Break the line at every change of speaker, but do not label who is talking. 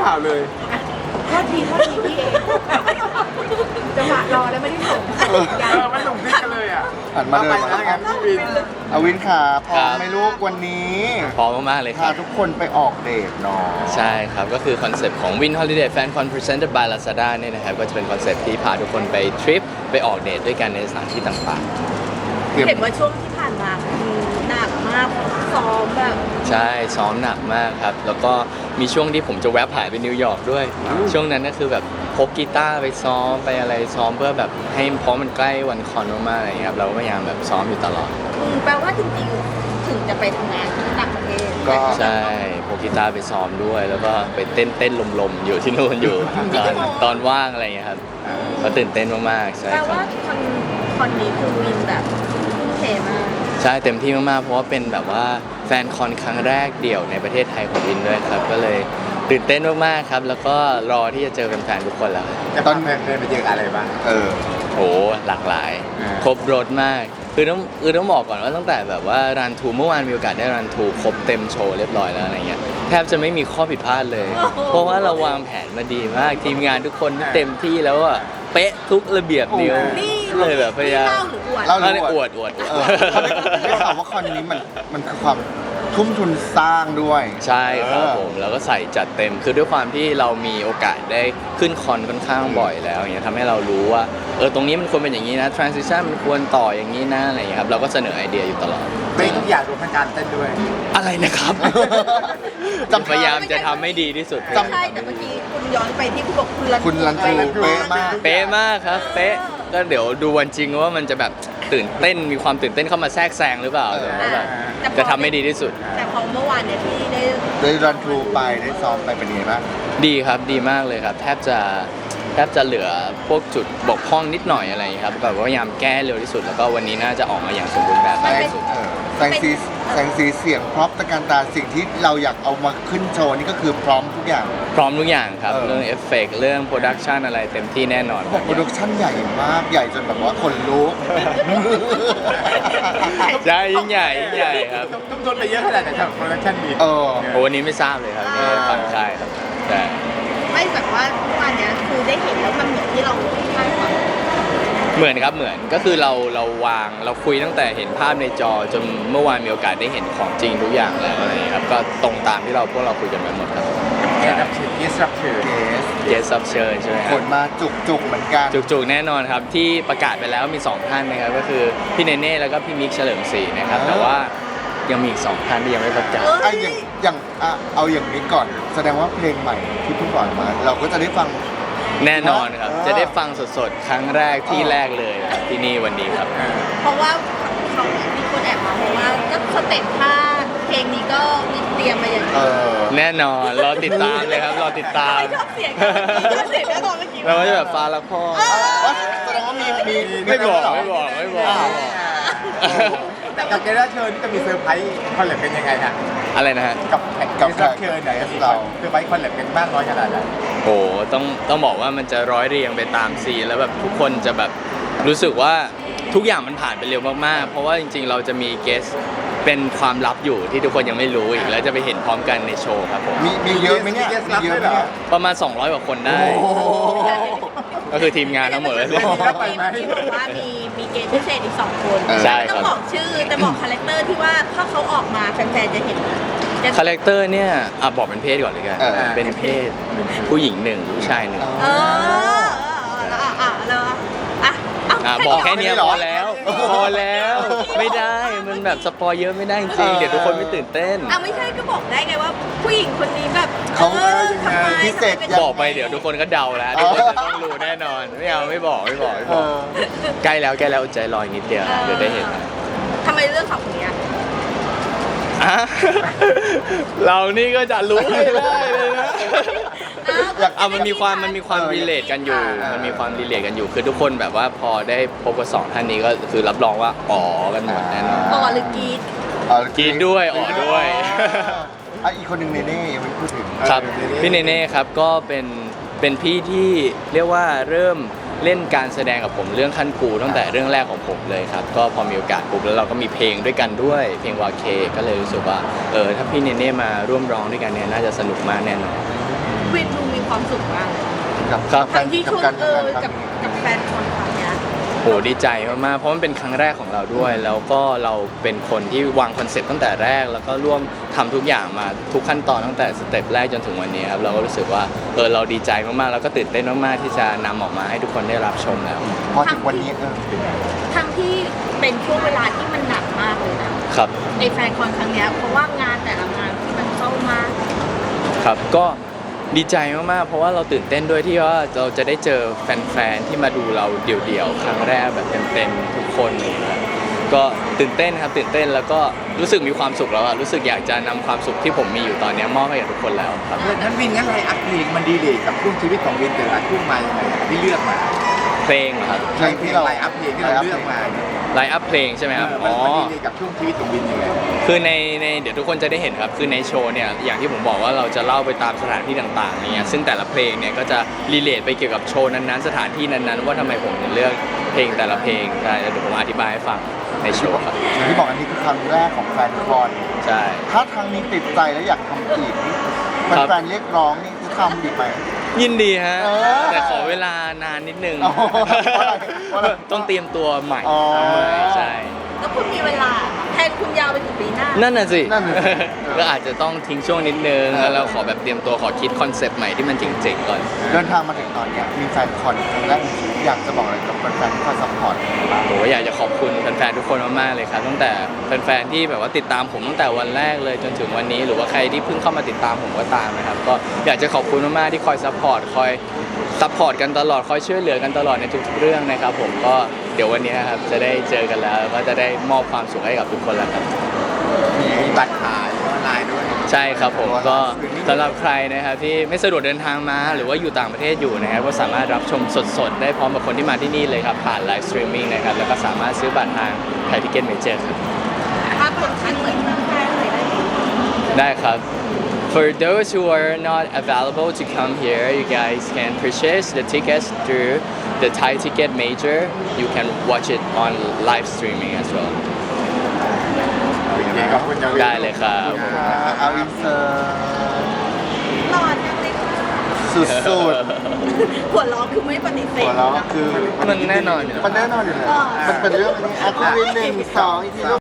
ข่าวเลย
โทษทีพี่เองจังหวะรอแล้วไม่ได้ส่ง
ไม่ส่งซิกกันเลยอ่ะ
หันมาเลย
ไปแล้วงั้นพี่วิน
อวินขาพร้อมไหมลูกวันนี้
พร้อมมากๆเลยค
พา
รับ
ทุกคนไปออกเดทเนาะ
ใช่ครับ ก็คือคอนเซปต์ของ Win Holiday Fan Con Presented by Lazada เนี่ยนะครับ ก็จะเป็นคอนเซปต์ที่พาทุกคนไปทริปไปออกเดทด้วยกันในสถานที่ต่าง
เห็นว่าช่วงที่ผ่านมาคือหนักมากซ้อมแบบ
ๆ ใช่ ซ้อมหนักมากครับ แล้วก็มีช่วงที่ผมจะแวบหายไปนิวยอร์กด้วย ช่วงนั้นก็คือแบบพกกีตาร์ไปซ้อมไปอะไรซ้อมเพื่อแบบให้เพราะมันใกล้วันคอนมากๆอะไรอย่างเงี้ยครับ เราก็พยายามแบบซ้อมอยู่ตลอด
แปลว่าจริงๆถึงจะไปทำงานที่ต่างประเทศ
ก็
ใช่พกกีตาร์ไปซ้อมด้วย แล้วก็ไปเต้นลมๆอยู่ที่นู่นอยู่ ตอนว่างอะไรอย่างเงี้ยครับก็ตื่นเต้นมากๆใช่
แปล
ครับ
ว่าคอนนี้คือวินแบบทุ่มเทมาก
ใช่เต็มที่มากๆ เพราะว่าเป็นแบบว่าแฟนคอนครั้งแรกเดี่ยวในประเทศไทยของวินด้วยครับ ก็เลยตื่นเต้นมากๆครับ แล้วก็รอที่จะเจอแฟนๆทุกคนแล้ว
จะตอนเดินไปเจออะไรบ้าง
โอ้หลากหลาย ครบรถมากคือต้องบอกก่อนว่าตั้งแต่แบบว่ารันทูเมื่อวานมีโอกาสได้รันทูครบเต็มโชว์เรียบร้อยแล้วอะไรเงี้ยแทบจะไม่มีข้อผิดพลาดเลย เพราะว่าเราวางแผนมาดีมากทีมงานทุกคนเต็มที่แล้วอ่ะเป๊ะทุกระเบียบนิ้ว
นี่
เลยแบบพยายาม
เล่าหรืออวด
เล่า
เอออวด
เขาได้ข่าวว่าคอนนี้มันคือความทุ่มทุนสร้างด้วย
ใช่ครับผมแล้วก็ใส่จัดเต็มคือด้วยความที่เรามีโอกาสได้ขึ้นคอนค่อนข้างบ่อยแล้วอย่างเงี้ยทำให้เรารู้ว่าตรงนี้มันควรเป็นอย่างนี้นะ transition มันควรต่ออย่างนี้นะอะไรอย่างเงี้ยครับเราก็เสนอไอเดียอยู่ตลอด
ไม่ทุกอย่างรวมทั้งการเต้นด้วย
อะไรนะครับ พยายามจะทำให้ดีที่สุด
ไม่ใช่แต่เมื่อกี้คุณย้อนไปที่คุณบอกคุณรัน
คุณรันทูเป๊ะมาก
เป๊ะมากครับเป๊ะก็เดี๋ยวดูวันจริงว่ามันจะแบบตื่นเต้นมีความตื่นเต้นเข้ามาแทรกแซงหรือเปล่าแต่ว่าแบบจะทำให้ดีที่สุด
แต่พอเมื่อวานเนี่ยที่ได้
ได้รันทรูไปได้ซ้อมไปเป็นยังไงบ้าง
ดีครับดีมากเลยครับแทบจะเหลือพวกจุดบกพร่องนิดหน่อยอะไรอย่างเงี้ยครับแบบว่าพยายามแก้เร็วที่สุดแล้วก็วันนี้น่าจะออกมาอย่างสมบูรณ์แบบ
แสงสีเสียงพร็อพตะการตาสิ่งที่เราอยากเอามาขึ้นโชว์นี่ก็คือพร้อมทุกอย่าง
พร้อมทุกอย่างครับ
เออ
เรื่องเอฟเฟกต์เรื่องโปรดักชันอะไรเต็มที่แน่นอน
บอกโปรดักชั่นใหญ่มากใหญ่จนแบบว่าคนลุก
ใช่ยิ่งใหญ่ครับ
ทุ่มทุนไปเยอะขนาดไหนสำหรับโปรดักชั่นดี
เออ
โอ้วันนี้ไม่ทราบเลยครับไม่ได้ฟังใช่ครับแต่
ไม่แบบว่าเมื่อวานเนี้ยคือได้เห็นแล้วมันเหมือนที่เราคาดหวัง
เหมือนครับเหมือนก็คือเราวางเราคุยตั้งแต่เห็นภาพในจอจนเมื่อวานมีโอกาสได้เห็นของจริงทุกอย่างแล้วอะไรอย่างเงี้ยครับก็ตรงตามที่พวกเราคุยกันไปหมดครับ
แกรับเชิญเกสรับเชิญ
เกสซับเชิญใช่ไหมค
ครับ นมาจุกๆเหมือนกัน
จุกๆแน่นอนครับที่ประกาศไปแล้วมี2ท่านนะครับก็คือพี่เนเน่แล้วก็พี่มิกเฉลิมศรีนะครับแต่ว่ายังมีอีก2ท่านที่ยังไม่ประกาศ
ไอ้อย่างเอาอย่างนี้ก่อน แสดงว่าเพลงใหม่ที่เพิ่งปล่อยมา เราก็จะได้ฟัง
แน่นอนครับ จะได้ฟังสดๆ ครั้งแรกที่แรกเลยครับที่นี่วันนี้ครับ
เพราะว่าเขามีคนแอบมาเพราะว่าก็สเต็ปท่าเพลงนี้ก็มีเตรียมมาอย่าง
เอ
ดี
อ
แน่นอนรอติดตามเลยครับรอติดตาม
ชอบเสียงชอบเสียงแน่นอนเมื่อกี้
เราก็จะแบบฟ้าละพ่อ
แสดงว่ามี
ไม่บอก
แต่กับแกรับเชิญนี่จะมีเซอร์ไพรส์คอนเสิร์ตเป็นยังไงฮะ
อะไรนะฮะ
กับแขกรับเชิญไหนมีเซอร์ไพรส์คอนเสิร์ตเป็นมากน้อยขนาดไหน
โอ้ต้องบอกว่ามันจะร้อยเรียงไปตามซีนแล้วแบบทุกคนจะแบบรู้สึกว่าทุกอย่างมันผ่านไปเร็วมากๆ เพราะว่าจริงๆ เราจะมีเกสเป็นความลับอยู่ที่ทุกคนยังไม่รู้อีกแล้วจะไปเห็นพร้อมกันในโชว์ครับผม
มีเยอะไหมเนี่ยมีเยอะไหมเนี่ย
ประมาณ200 กว่าคนได้
โอ้โห
ก็คือทีมงานทั้งหมดเลย
ที่บอกว่ามีเกณฑ์พิเศษอีก2 คน
ใช่ครับ
ต้องบอกชื่อแต่บอกคาแรคเตอร์ที่ว่าถ้าเขาออกมาแฟนๆจะเห็น
คาแรคเตอร์เนี่ยบอกเป็นเพศก่อนเลยกัน เป็นเพศผู้หญิงหนึ่งผู้ชายหนึ่ง
แล้ว
บอกแค่เนี้ยพอแล้วไม่ได้มันแบบสปอยเยอะไม่ได้จริงๆเดี๋ยวทุกคนไม่ตื่นเต้น
ไม่ใช่ก็บอกได้ไงว่าผู้หญิงคนนี้แบบ
เขา
ทำไม
พิเศษ
บอกไปเดี๋ยวทุกคนก็เดาแล้วทุกคนจะต้องรู้แน่นอนไม่บอก ใกล้แล้วอดใจรออีกนิดเดียวเดี๋ยวได้เห็นนะ
ทำไมเรื่องของคนนี้
อ่ะเรานี่ก็จะรู้ไม่ได้เลยนะมันมีความรีเลทกันอยู่คือทุกคนแบบว่าพอได้พบกับ2ท่านนี้ก็คือรับรองว่าอ๋อกันหมดแน่นอน
ต่อหรือกรีด
กินด้วยอ๋อด้วย
อีกคนหนึ่งเนเน่ยังไม่พูดถึง
ครับพี่เนเน่ครับก็เป็นพี่ที่เรียกว่าเริ่มเล่นการแสดงกับผมเรื่องขั้นครูตั้งแต่เรื่องแรกของผมเลยครับก็พอมีโอกาสปุ๊บแล้วเราก็มีเพลงด้วยกันด้วยเพลงวาเคก็เลยรู้สึกว่าถ้าพี่เนเน่มาร่วมร้องด้วยกันเนี่ยน่าจะสนุกมากแน่นอน
วินดูมีความสุขมากเลย
กับ
ครับ
ทั้งที่ช่วง
การทำงานค
กั
รั้
บ
งนี้
กับแฟนคอนครั้งเนี้ย
โหดีใจมากๆเพราะมันเป็นครั้งแรกของเราด้วย แล้วก็เราเป็นคนที่วางคอนเซ็ปต์ตั้งแต่แรก แล้วก็ร่วมทำทุกอย่างมาทุกขั้นตอนตั้งแต่สเต็ปแรกจนถึงวันนี้ครับเราก็รู้สึกว่าเราดีใจมากๆแล้วก็ตื่นเต้นมากๆที่จะนำออกมาให้ทุกคนได้รับชมแล้ว
พอถึงวันนี้
ทั้งที่เป็นช่วงเวลาที่มันหนักมากเลยนะครับ ในแฟนคอนครั้งเนี้ยเพราะว่างานแต่ละงานที่มันเข้ามา
ครับก็ดีใจมากๆเพราะว่าเราตื่นเต้นด้วยที่ว่าเราจะได้เจอแฟนๆที่มาดูเราเดี่ยวๆครั้งแรกแบบเต็มๆทุกคนเลยครับก็ตื่นเต้นครับตื่นเต้นแล้วก็รู้สึกมีความสุขแล้วอะรู้สึกอยากจะนำความสุขที่ผมมีอยู่ตอนนี้มอบให้กับทุกคนแล้วครับ
นั้นวินงั้นไลน์อัพเพลงมันดีเลยกับช่วงชีวิตของวินแต่ละช่วงมายังไงที่เลือกมา
เพลงเหรอครับ
เพลงที่เรา
ไลน์อัพเพลงที่เราเลือกมา
ไลน์อัพเพลงใช่ไหมครับ
มันดีเลยกับช่วงชีวิตของวินยังไง
คือในเดี๋ยวทุกคนจะได้เห็นครับคือในโชว์เนี่ยอย่างที่ผมบอกว่าเราจะเล่าไปตามสถานที่ต่างๆเนี่ยซึ่งแต่ละเพลงเนี่ยก็จะรีเลทไปเกี่ยวกับโชว์นั้นๆสถานที่นั้นๆว่าทำไมผมถึงเลือกเพลงแต่ละเพลงใช่เดี๋ยวผมอธิบายให้ฟังในโชว์ครับ
อย่างที่บอกอันนี้คือครั้งแรกของแฟนคอน
ใช่
ถ้าครั้งนี้ติดใจแล้วอยากทำอีกนี่
ครับ
แฟนๆเรียกร้องนี่จะทำอีกไหม
ยินดีฮะ
เออ
แต่ขอเวลานานนิดนึง
อ๋อเพราะอะไรเพราะอะไร
ต้องเตรียมตัวใหม่
อ๋อ
ใช่
แล้วคุณมีเวลาแทนคุณยาวไปถึงปีหน้า
นั่นน่ะสิ
นั่นน่ะสิ
ก็อาจจะต้องทิ้งช่วงนิดนึงแล้วเราขอแบบเตรียมตัวขอคิดคอนเซปต์ใหม่ที่มันเจ๋งๆก่อน
เดินทางมาถึงตอนเนี้ยมีแฟนคอนครั้งแรกในชีวิตอยากจะบอกอะไรกับแฟนๆที่คอยซัพพอร์ตบ้าง
โหอยากจะขอบคุณแฟนๆทุกคนมากๆเลยครับตั้งแต่แฟนๆที่แบบว่าติดตามผมตั้งแต่วันแรกเลยจนถึงวันนี้ หรือว่าใครที่เพิ่งเข้ามาติดตามผมก็ตามนะครับก็อยากจะขอบคุณมากๆที่คอยซัพพอร์ตกันตลอดคอยช่วยเหลือกันตลอดในทุกๆเรื่องนะครับผมก็เดี๋ยววันนี้นะครับจะได้เจอกันแล้วก็จะได้มอบความสุขให้กับทุกคนแล้วครับ
มีบัตรขายออนไลน์ด้วย
ใช่ครับผมก็สำหรับใครนะครับที่ไม่สะดวกเดินทางมาหรือว่าอยู่ต่างประเทศอยู่นะครับก็สามารถรับชมสดๆได้พร้อมกับคนที่มาที่นี่เลยครับผ่านไลฟ์สตรีมมิ่งนะครับแล้วก็สามารถซื้อบัตรทางไทยทิเก็ตเมเจอร์ครับ
ถ้าคนคันเหมือนแฟนเลยได้ไหม
ได้ครับ For those who are not available to come here, you guys can purchase the tickets through the Thai Ticket Major. You can watch it on live streaming as well.
โอเคขอบคุณยาวิน
ได้เลยครับ
เอาอินเสิร์ต
หล่อจังเลยค่ะ
สุด
หัวล้อคือไม่ปฏิเส
ๆ
ธ
หัวเราะคือ
มันแน่นอนอยู่แล้ว
มันแน่นอนอยู่แล้วมันเป็นเรื่องนี้อ่ะคุณวิน1 2อีกที